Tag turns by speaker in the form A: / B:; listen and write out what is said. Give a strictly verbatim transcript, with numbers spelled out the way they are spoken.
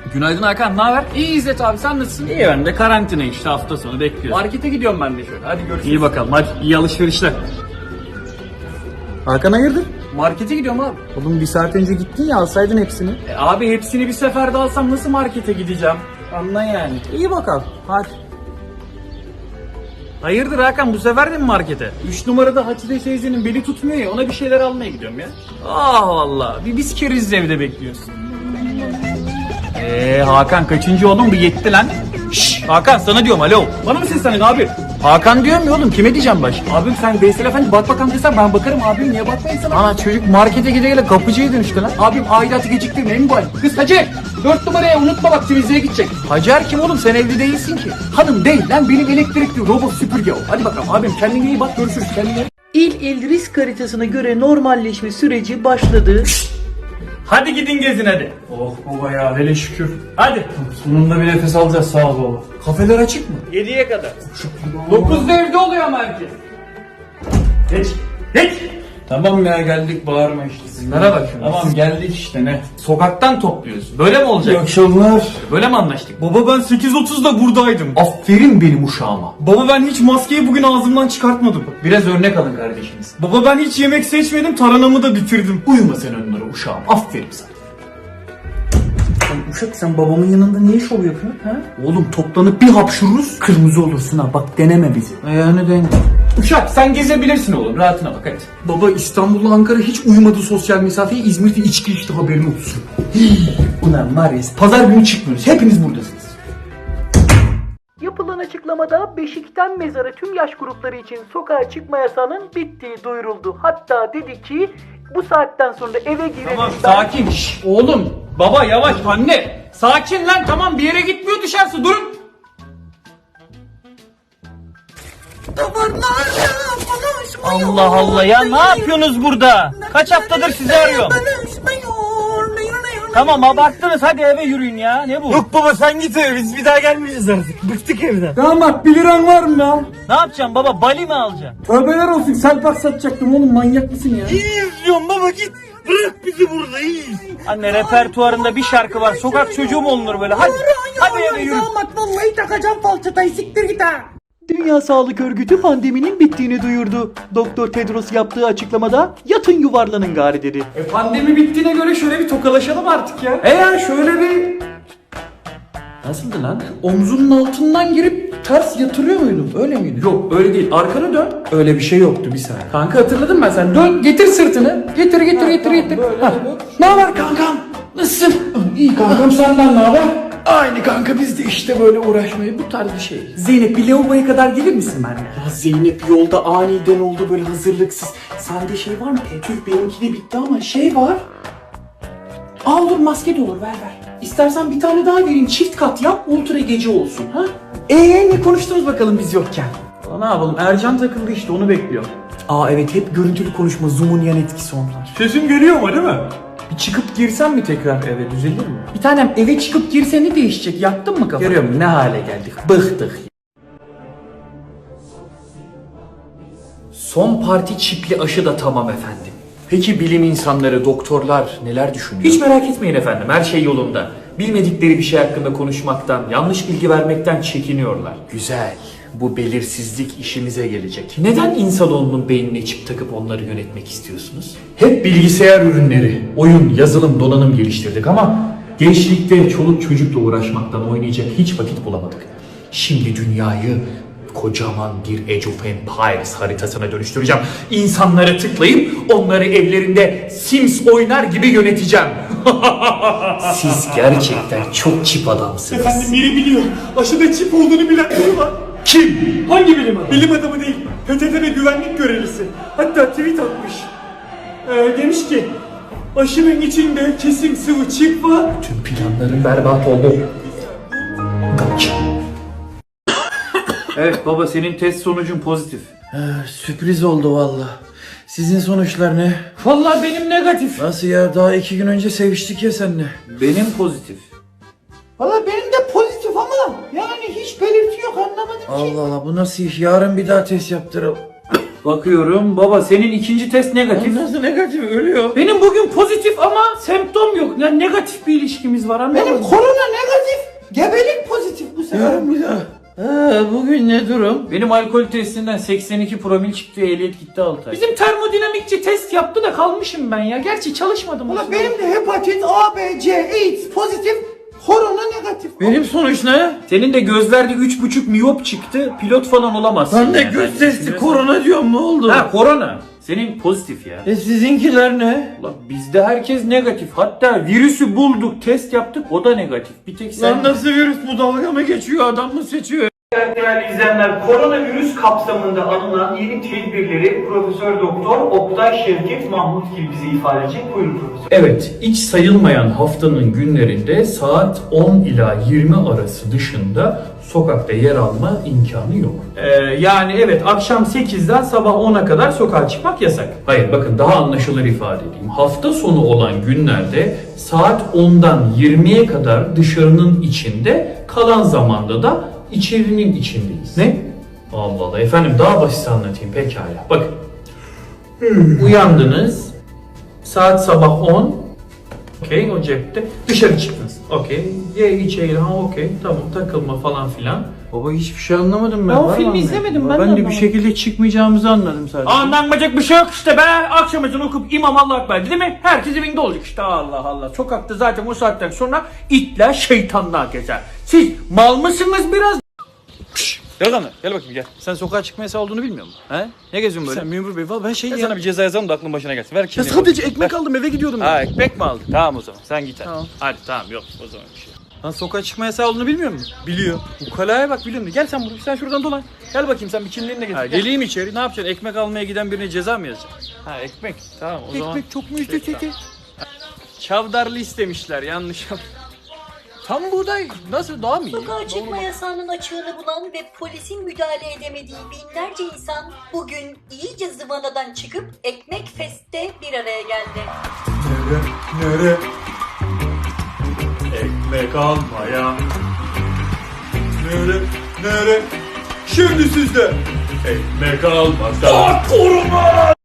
A: Günaydın Hakan, ne haber?
B: İyi İzzet abi, sen nasılsın?
A: İyi, ben de karantina işte, hafta sonu bekliyorum.
B: Markete gidiyorum ben de şöyle. Hadi görüşürüz.
A: İyi bakalım, hadi iyi alışverişler. Hakan hayırdır?
B: Markete gidiyorum abi.
A: Oğlum bir saat önce gittin ya, alsaydın hepsini.
B: E, abi hepsini bir seferde alsam nasıl markete gideceğim?
A: Anla yani. İyi bakalım, hadi. Hayırdır Hakan, bu sefer de mi markete?
B: Üç numarada Hatice teyzenin beli tutmuyor ya, ona bir şeyler almaya gidiyorum ya.
A: Ah vallahi, bir biz keriz evde bekliyoruz. Eee Hakan kaçıncı oğlum, bu yetti lan. Şşş Hakan, sana diyorum, alo.
B: Bana mı seslendin abi?
A: Hakan diyorum ya oğlum, kime diyeceğim başka?
B: Abim sen Veysel Efendi bak bakalım desen ben bakarım abim, niye bakmayın sana?
A: Ana çocuk markete gide gele kapıcıya dönüştü lan.
B: Abim aidatı geciktirmeyin mi bu hal? Kız Hacer, dört numaraya unutma bak temizliğe gidecek.
A: Hacer kim oğlum, sen evli değilsin ki.
B: Hanım değil lan, benim elektrikli robot süpürge o. Hadi bakalım abim, kendine iyi bak, görüşürüz, kendine.
C: İl il risk haritasına göre normalleşme süreci başladı.
A: Hadi gidin gezin hadi.
B: Oh baba ya, hele şükür.
A: Hadi.
B: Sonunda bir nefes alacağız, sağ ol baba. Kafeler açık mı?
A: yediye kadar.
B: dokuzda evde oluyor ama herkes.
A: Geç. Geç.
B: Tamam ya, geldik, bağırma işte.
A: Bunlara bak şimdi.
B: Tamam geldik işte, ne?
A: Sokaktan topluyorsun. Böyle mi olacak?
B: İyi akşamlar.
A: Böyle mi anlaştık?
B: Baba ben sekiz otuzda buradaydım.
A: Aferin benim uşağıma.
B: Baba ben hiç maskeyi bugün ağzımdan çıkartmadım.
A: Biraz örnek alın kardeşiniz.
B: Baba ben hiç yemek seçmedim, taranamı da bitirdim.
A: Uyuma sen onlara uşağım. Aferin sana.
C: Lan uşak, sen babamın yanında niye şov yapıyorsun ha?
A: Oğlum toplanıp bir hapşururuz.
C: Kırmızı olursun ha, bak deneme bizi.
A: Yani denge.
B: Uşak sen gezebilirsin oğlum, rahatına bak hadi. Baba İstanbul'la Ankara hiç uyumadı sosyal mesafeyi, İzmir'de içki içti, haberin olsun.
A: Ulan var ya, pazar günü çıkmıyoruz. Hepiniz buradasınız.
C: Yapılan açıklamada Beşik'ten mezara tüm yaş grupları için sokağa çıkma yasağının bittiği duyuruldu. Hatta dedi ki bu saatten sonra eve girelim.
B: Tamam sakin. Şş, oğlum, baba yavaş, anne. Sakin lan, tamam bir yere gitmiyor dışarısı, durun.
A: Allah Allah ya, ne yapıyorsunuz burada? Kaç haftadır sizi arıyorum. Tamam abarttınız, hadi eve yürüyün ya, ne bu?
D: Yok baba sen git eve, biz bir daha gelmeyeceğiz artık. Bıktık evden.
B: Damat bir liran var mı ya?
A: Ne yapacaksın baba, bali mi alacaksın?
B: Tövbeler olsun, selpak satacaktım oğlum, manyak mısın ya?
D: İyiyiz diyorum baba, git. Bırak bizi burada, iyiyiz.
A: Anne repertuarında bir şarkı var, sokak çocuğu mu olunur böyle, hadi. Hadi eve yürü.
C: Vallahi takacağım falçatayı, siktir git ha. Dünya Sağlık Örgütü pandeminin bittiğini duyurdu. Doktor Tedros yaptığı açıklamada yatın yuvarlanın gari dedi.
B: E pandemi bittiğine göre şöyle bir tokalaşalım artık ya. Eğer şöyle bir... Nasıldı lan? Omzunun altından girip ters yatırıyor muydun? Öyle miydi? Yok öyle değil. Arkanı dön. Öyle bir şey yoktu, bir saniye. Kanka hatırladım ben, sen dön getir sırtını. Getir getir getir getir. Ha. Ne haber kankam? Nasılsın? İyi kankam, senden ne haber? Aynı kanka, biz de işte böyle uğraşmayı, bu tarz bir şey. Zeynep bir lavaboya kadar gelir misin benimle? Ya Zeynep yolda aniden oldu, böyle hazırlıksız. Sende şey var mı? Tüh benimki de bitti ama şey var. Al dur, maske de olur, ver ver. İstersen bir tane daha vereyim, çift kat yap, ultra gece olsun ha. Eee ne konuştunuz bakalım biz yokken? Aa, ne yapalım, Ercan takıldı işte, onu bekliyor. Aa evet, hep görüntülü konuşma, Zoom'un yan etkisi onlar.
D: Sesim geliyor mu değil mi?
B: Bir çıkıp girsem mi tekrar eve, düzelir mi? Bir tanem eve çıkıp girse ne değişecek, yaktın mı kafanı? Görüyorum ne hale geldik, bıktık. Son parti çipli aşı da tamam efendim. Peki bilim insanları, doktorlar neler düşünüyor? Hiç merak etmeyin efendim, her şey yolunda. Bilmedikleri bir şey hakkında konuşmaktan, yanlış bilgi vermekten çekiniyorlar. Güzel. Bu belirsizlik işimize gelecek. Neden insanoğlunun beynine çip takıp onları yönetmek istiyorsunuz? Hep bilgisayar ürünleri, oyun, yazılım, donanım geliştirdik ama gençlikte çoluk çocukla uğraşmaktan oynayacak hiç vakit bulamadık. Şimdi dünyayı kocaman bir Age of Empires haritasına dönüştüreceğim. İnsanlara tıklayıp onları evlerinde Sims oynar gibi yöneteceğim. Siz gerçekten çok çip adamsınız.
D: Efendim biri biliyor. Aşıda çip olduğunu bilen biri var.
B: Kim?
D: Hangi bilim adamı? Bilim adamı değil. P T T ve güvenlik görevlisi. Hatta tweet atmış. Ee, demiş ki aşının içinde kesin sıvı çip var.
B: Tüm planların berbat oldu. Kaç.
A: Evet baba, senin test sonucun pozitif.
E: Sürpriz oldu valla. Sizin sonuçlar ne?
B: Vallahi benim negatif.
E: Nasıl ya, daha iki gün önce seviştik ya seninle.
A: Benim pozitif.
C: Valla benim de pozitif ama yani hiç belirti yok, anlamadım ki.
E: Allah Allah, bu nasıl iş? Yarın bir daha test yaptıralım.
A: Bakıyorum baba, senin ikinci test negatif.
E: Nasıl negatif, ölüyor.
B: Benim bugün pozitif ama semptom yok. Yani negatif bir ilişkimiz var, anladın
C: Benim
B: mı?
C: korona negatif.
E: Gebelik pozitif bu sefer. Bir daha. Ha, bugün ne durum?
B: Benim alkol testinden seksen iki promil çıktı, ehliyet gitti altı ay.
D: Bizim termodinamikçi test yaptı da kalmışım ben ya. Gerçi çalışmadım.
E: Ulan benim de hepatit A, B, C, AIDS pozitif, korona negatif. Benim sonuç ne?
B: Senin de gözlerde üç buçuk miyop çıktı, pilot falan olamazsın.
E: Ben de
B: yani.
E: göz testi korona diyorum, ne oldu?
B: Ha, korona. Senin pozitif ya.
E: E sizinkiler ne?
B: Ulan bizde herkes negatif. Hatta virüsü bulduk, test yaptık, o da negatif. Bir tek sen...
E: Lan nasıl virüs bu, dalga mı geçiyor, adam mı seçiyor?
A: Değerli izleyenler, koronavirüs kapsamında alınan yeni tedbirleri Profesör Doktor Oktay Şevket Mahmutgil bize ifade edecek. Buyurun Profesör.
B: Evet, hiç sayılmayan haftanın günlerinde saat on ila yirmi arası dışında sokakta yer alma imkanı yok. Ee, yani evet, akşam sekizden sabah ona kadar sokağa çıkmak yasak. Hayır, bakın daha anlaşılır ifade edeyim. Hafta sonu olan günlerde saat ondan yirmiye kadar dışarının içinde, kalan zamanda da içerinin içindeyiz. Ne? Allah Allah, efendim daha basit anlatayım pekala. Bakın. Uyandınız. Saat sabah on. Okey, o cepte. Dışarı çıktınız. Okey. Ye içeri. Ha okey. Tamam, takılma falan filan.
E: Baba hiçbir şey anlamadım ben.
D: Ben o
E: Var
D: filmi
E: mı
D: izlemedim,
E: anlayın?
D: ben de
E: Ben de bir
D: anlamadım.
E: şekilde çıkmayacağımızı anladım sadece.
A: Anlanmayacak bir şey yok işte be. Akşam ezanı okup İmam Allah Ekber değil mi? Herkes evinde olacak işte. Allah Allah. Sokakta zaten o saatten sonra itler şeytanlar gezer. Siz mal mısınız biraz?
C: Delikanlı gel bakayım gel. Sen sokağa çıkma yasağı olduğunu bilmiyor musun? He? Ne geziyorsun böyle?
E: Sen memur bey valla ben şey
C: Ben
E: ya.
C: sana bir ceza yazalım da aklın başına gelsin. Ver
E: Ya
C: kimliğini.
E: sadece ekmek aldım, eve gidiyordum.
C: Ha
E: ya.
C: ekmek mi aldın? Tamam o zaman sen git hadi.
E: Tamam.
C: Hadi tamam yok o zaman bir şey. Lan sokağa çıkma yasağı olduğunu bilmiyor musun? Biliyor. Bu kalaya bak biliyor musun? Gel sen buraya, sen şuradan dolan. Gel bakayım sen bir kimliğini de getir. Ha, geleyim içeri, ne yapacaksın? Ekmek almaya giden birine ceza mı yazacaksın? Ha ekmek. Tamam o zaman.
E: Ekmek çok mu üstü teki?
C: Çavdarlı istemişler yanlış. Tam buğday nasıl daha mı iyi?
F: Sokağa çıkma yasağının açığını bulan ve polisin müdahale edemediği binlerce insan bugün iyice zıvanadan çıkıp Ekmek Fest'te bir araya geldi.
D: Nere? Nere? Ekmek almaya. Nere? Nere? Şimdi sizde. Ekmek almasa.